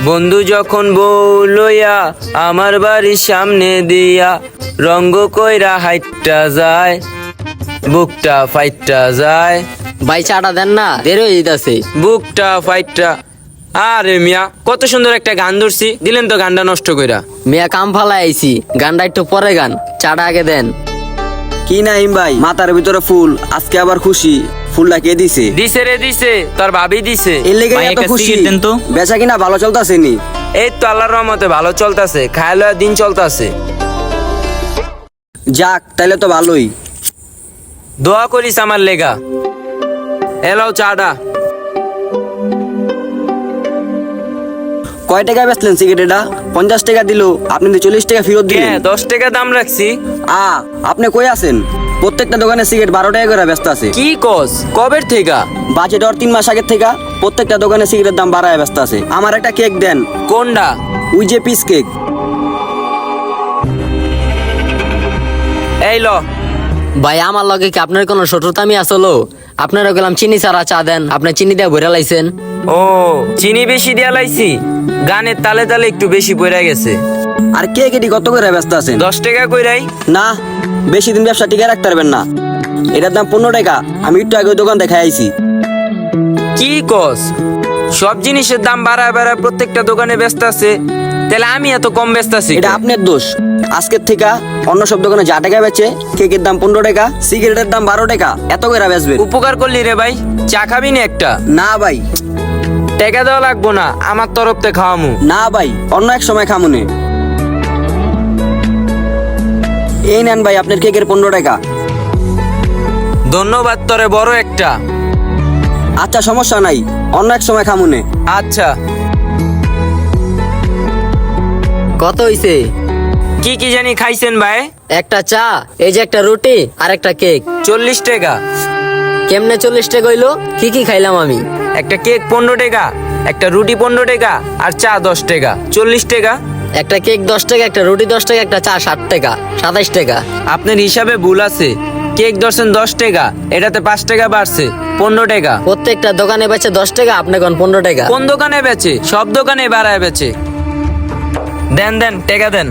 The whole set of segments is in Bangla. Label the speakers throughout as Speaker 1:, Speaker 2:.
Speaker 1: বন্ধু যখন বউ লইয়া আমার বাড়ির সামনে দিয়া রঙ্গ কইরা হাইটটা যায়, বুকটা ফাইটটা যায়।
Speaker 2: ভাই চাটা দেন না, দেরি হয়ে যেতেছে।
Speaker 1: বুকটা ফাইটটা। আরে মিয়া, কত সুন্দর একটা গান ধরছি, দিলেন তো গানটা নষ্ট কইরা।
Speaker 2: মিয়া কাম ফালা আইছি, গানটা একটু পরে গান, চাটা আগে দেন।
Speaker 3: কি নাইম ভাই, মাথার ভিতরে ফুল, আজকে আবার খুশি। ফুলটা কে দিছে?
Speaker 1: দিছে রে দিছে, তোর ভাবি দিছে।
Speaker 3: এর লেগে
Speaker 4: ভাই,
Speaker 3: এত
Speaker 4: একটা
Speaker 3: খুশি।
Speaker 4: cigarette দেন তো।
Speaker 3: বেচা কিনা ভালো চলতেছে নি?
Speaker 1: এই তো আল্লাহর রহমতে ভালো চলতেছে, খায় লয় দিন চলতেছে।
Speaker 3: যাক, তাইলে তো ভালোই।
Speaker 1: দোয়া করিস আমার লেগা। এলাও চাটা।
Speaker 3: কয় টাকা বেচলেন সিগারেটটা? 50 টাকা দিল, আপনি তো 40 টাকা ফেরত
Speaker 1: কে
Speaker 3: দিলেন।
Speaker 1: 10 টাকা দাম রাখছি?
Speaker 3: আপনি কই আছেন? প্রত্যেকটা দোকানে সিগারেট 12 টাকা করে ব্যস্ত আছে।
Speaker 1: কি কস, কবের থেকে?
Speaker 3: বাজেট আর 3 মাস আগের থেকে প্রত্যেকটা দোকানে সিগারেটের দাম বাড়ায় ব্যস্ত আছে। আমার একটা কেক দেন।
Speaker 1: কোনটা?
Speaker 3: ওই যে পিস কেক।
Speaker 1: এই ল।
Speaker 2: ভাই আমার লগে কি আপনার কোনো শত্রুতামি আসলো? আপনারা গেলাম চিনি ছাড়া চা দেন, আপনি চিনি দিয়ে ভরে লাইছেন।
Speaker 1: ও, চিনি বেশি দিয়া লাইছি, গানের তালে তালে একটু বেশি পড়ে গেছে।
Speaker 3: আর কেক এটি কত করে ব্যস্ত আছেন?
Speaker 1: 10 টাকা কইরাই।
Speaker 3: না, বেশি দিন ব্যবসা টিকে রাখতে পারবেন না। এটার দাম 15 টাকা। আমি একটু আগে ওই দোকান দেখাই আইছি।
Speaker 1: কি কস, সব জিনিসের দাম বাড়ায় বাড়ায় প্রত্যেকটা দোকানে ব্যস্ত আছে, তাহলে আমি এত কম ব্যস্ত আছি?
Speaker 3: এটা আপনার দোষ। আজকের থেকে অন্য সব দোকানে যা টাকা বেচে, কেকের দাম 15 টাকা, সিগারেটের দাম 12 টাকা, এত করে বেচবেন।
Speaker 1: উপকার করলি রে ভাই, চা খাবি না একটা?
Speaker 3: না ভাই,
Speaker 1: টাকা দেওয়া লাগবো না, আমার তরফ থেকে খাওয়ামু।
Speaker 3: না ভাই, অন্য এক সময় খামুনে। এই নেন ভাই আপনার কেকের 15 টাকা।
Speaker 1: ধন্যবাদ তোরে, বড় একটা।
Speaker 3: আচ্ছা, সমস্যা নাই, অন্য এক সময় খামুনে।
Speaker 1: আচ্ছা।
Speaker 2: কত হইছে?
Speaker 1: কি কি জানি খাইছেন ভাই?
Speaker 2: একটা চা, এই যে একটা রুটি আর একটা কেক।
Speaker 1: 40 টাকা।
Speaker 2: কেমনে 40 টাকা হইলো? কি কি খাইলাম আমি?
Speaker 1: একটা কেক 15 টাকা, একটা রুটি 15 টাকা, আর চা 10 টাকা, 40 টাকা।
Speaker 2: একটা কেক 10 টাকা, একটা রুটি 10 টাকা, একটা চা 60 টাকা, 27 টাকা।
Speaker 1: আপনার হিসাবে ভুল আছে, কেক ধরছেন 10 টাকা, এটাতে 5 টাকা বাড়ছে, 15 টাকা।
Speaker 2: প্রত্যেকটা দোকানে বেচে 10 টাকা, আপনি কোন 15 টাকা?
Speaker 1: কোন দোকানে বেচে? সব দোকানে বাড়ায় বেচে। দেন দেন, টাকা দেন।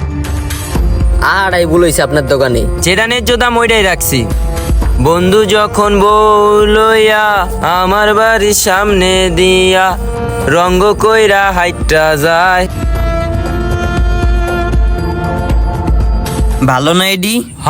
Speaker 2: আর এই ভুল হইছে আপনার দোকানে।
Speaker 1: যেটা ন্যায্য দাম ওইটাই রাখছি। বন্ধু যখন বউ লইয়া আমার বাড়ির সামনে দিয়া রঙ্গ কইরা হাইটটা যায়।
Speaker 4: ভালো না এডি?
Speaker 1: হ।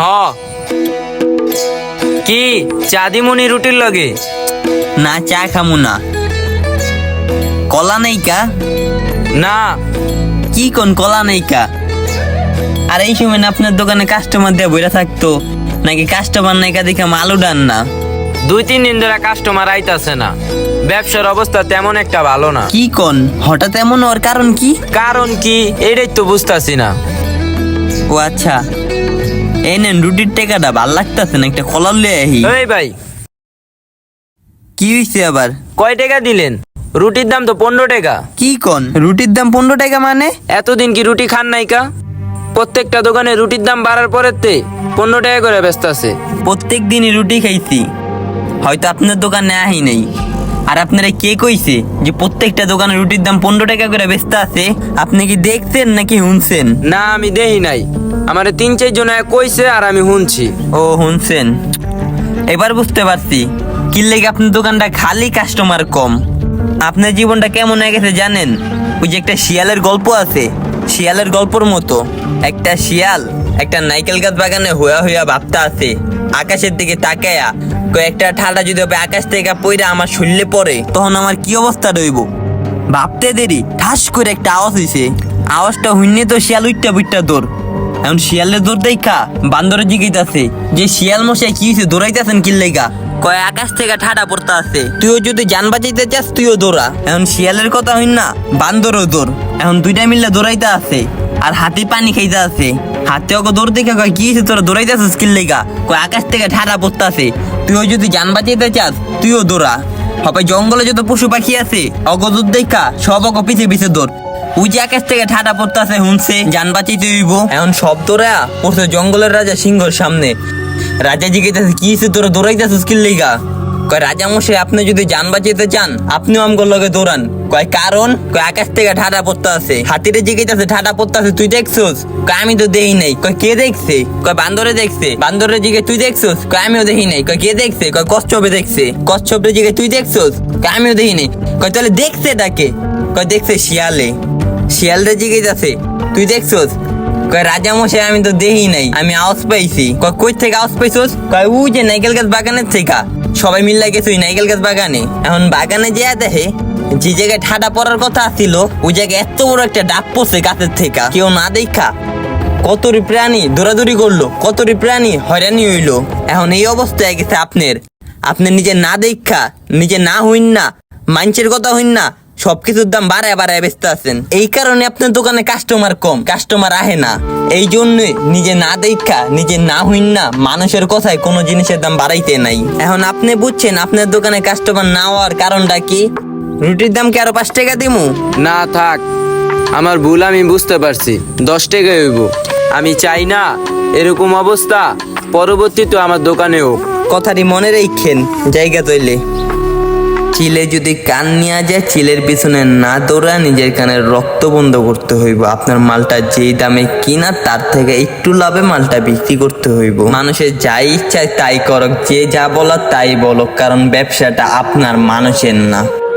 Speaker 1: কি চাঁদিমণি রুটির লগে?
Speaker 4: না, চা খামু না। কলা নেই কা?
Speaker 1: না।
Speaker 4: কি কোন কলা নেই কা? আর এই সময় না আপনার দোকানে কাস্টমার দিয়ে বইরা থাকতো, নাকি কাস্টমার নাই কা দেখে আলু ডান না?
Speaker 1: 2-3 দিন ধরে কাস্টমার আইতাছে না, ব্যবসার অবস্থা তেমন একটা ভালো না।
Speaker 4: কি কোন হঠাৎ এমন ওর কারণ কি?
Speaker 1: কারণ কি এটাই তো বুঝতাছি না।
Speaker 4: ও আচ্ছা, এই নেন রুটির টাকাটা, ভাল লাগতেছে না, একটা কলা লয়ে আহি।
Speaker 1: এই ভাই,
Speaker 4: কি হইছে আবার?
Speaker 1: কয় টাকা দিলেন? রুটির দাম তো 15 টাকা।
Speaker 4: কি কোন রুটির দাম 15 টাকা মানে?
Speaker 1: এতদিন কি রুটি খান নাই কা? প্রত্যেকটা দোকানে রুটির দাম বাড়ার পরের তে 15 টাকা করে ব্যস্ত আছে।
Speaker 4: প্রত্যেক দিনই রুটি খাইছি, হয়তো আপনার দোকানে আহি নেই। আর আপনারা কে কইছে যে প্রত্যেকটা দোকানে রুটির দাম 15 টাকা করে বেচতে আছে? আপনি কি দেখছেন নাকি শুনছেন?
Speaker 1: না, আমি দেই নাই, আমারে 3-4 জন কইছে আর আমি শুনছি।
Speaker 4: ও, শুনছেন? এবার বুঝতে পারছি কি লেগে আপনার দোকানটা খালি, কাস্টমার কম। আপনার জীবনটা কেমন হয়ে গেছে জানেন? ওই যে একটা শিয়ালের গল্প আছে, শিয়ালের গল্পর মতো। একটা শিয়াল একটা নাইকেল গাছ বাগানে হইয়া হইয়া ভাবতে আছে, আকাশের দিকে তাকায়া, কয়েকটা ঠাডা যদি হবে আকাশ থেকে পইরা আমার শরীরে পড়ে, তখন আমার কি অবস্থা রইব। ভাবতে দেরি ঠাস করে একটা আওয়াজ হইছে। আওয়াজটা হইনে তো শিয়াল উইটটা বুইটটা দৌড়। এখন শিয়ালের দৌড় দেখা বান্দরের জিগাইতাছে যে শিয়াল মশাই কি হয়েছে, দৌড়াইতেছেন কি লেগা? কয় আকাশ থেকে ঠাডা পড়তে আছে, তুইও যদি জান বাঁচাইতে চাস তুইও দৌড়া। এখন শিয়ালের কথা হইন না, বান্দরও দৌড়। এখন দুইটা মিললে দৌড়াইতে আছে, আর হাতি পানি খাইতে আছে। হাতে ওকে দৌড় দেখে কয় কি হয়েছে তোরা দৌড়াইতেছিস কি লেগা? কয় আকাশ থেকে ঠাডা পড়তে আছে, তুইও যদি জান বাঁচাইতে চাস তুইও দৌড়া। হবে জঙ্গলে যত পশু পাখি আছে অগদূর দেখা সব অগ পিছে পিছে দৌড়। ওই যে আকাশ থেকে ঠাডা পড়তেছে শুনছে, জান বাঁচাইতে হইব। এখন সব দৌড়া পড়ছে জঙ্গলের রাজা সিংহর সামনে। রাজা জিজ্ঞাসা কি হয়েছে তোরা দৌড়াইতেছিস কি লেগা? কয় রাজা মশাই, আপনি যদি জান বাঁচাইতে চান আপনিও আমগোর লগে দৌড়ান, কয় কারণ কয় আকাশ থেকে ঠাডা পড়তে আছে, হাতিরে জিজ্ঞেস ঠাডা পড়তে আছে তুই দেখছোস? কয় আমি তো দেই নাই। কয় কে দেখছে? কয় বান্দরে দেখছে। বান্দরে জিজ্ঞেস তুই দেখছোস? কয় আমিও দেখি নাই। কয় কে দেখছে? কয় কচ্ছপে দেখছে। কচ্ছপে জিজ্ঞেস তুই দেখছোস? কয় আমিও দেখি নাই। কয় তাহলে দেখছে এটাকে? কয় দেখছে শিয়ালে। শিয়ালরে জিজ্ঞেস আছে তুই দেখছোস? কয় রাজা মশাই আমি তো দেখি নাই, আমি আওয়াজ পাইছি। কয় কই থেকে আওয়াজ পাইছোস? কয় ও যে নাইকেল গাছ বাগানের থেকে। সবাই মিল্লা গেছে ওই নাইকেল গাছ বাগানে। এখন বাগানে যেয়া দেখে যে জায়গায় ঠাডা পড়ার কথা ছিল ওই জায়গায় এত বড় একটা ডাব পড়ছে গাছের থেকে, কেউ না দেখা কতরি প্রাণী দৌড়াদৌড়ি করলো, কতরি প্রাণী হয়রানি হইলো। এখন এই অবস্থায় গেছে আপনি নিজে না দেখা, নিজে না হইন না, মানুষের কথা হইন না, সবকিছুর দাম বাড়ায় বাড়ায় বেচতে আছেন। এই কারণে আপনার দোকানে কাস্টমার কম, কাস্টমার আহে না। এই জন্যই নিজে না দেখা, নিজে না হইন না, মানুষের কথায় কোনো জিনিসের দাম বাড়াইতে নাই। এখন আপনি বুঝছেন আপনার দোকানে কাস্টমার না হওয়ার কারণটা কি? রুটির দাম কি আরো 5 টাকা দিমু?
Speaker 1: না থাক, আমার ভুল আমি বুঝতে পারছি, 10 টাকা হইব। আমি চাই না এরকম অবস্থা পরবর্তীতে আমার দোকানে হোক।
Speaker 4: কথাটি মনে রেখেন জায়গা তৈলে। চিলে যদি কান নিয়ে যায়, চিলের পিছনে না দৌড়া নিজের কানের রক্ত বন্ধ করতে হইব। আপনার মালটা যেই দামে কিনা তার থেকে একটু লাভে মালটা বিক্রি করতে হইব। মানুষের যাই ইচ্ছা তাই করক, যে যা বলার তাই বলক, কারণ ব্যবসাটা আপনার, মানুষের না।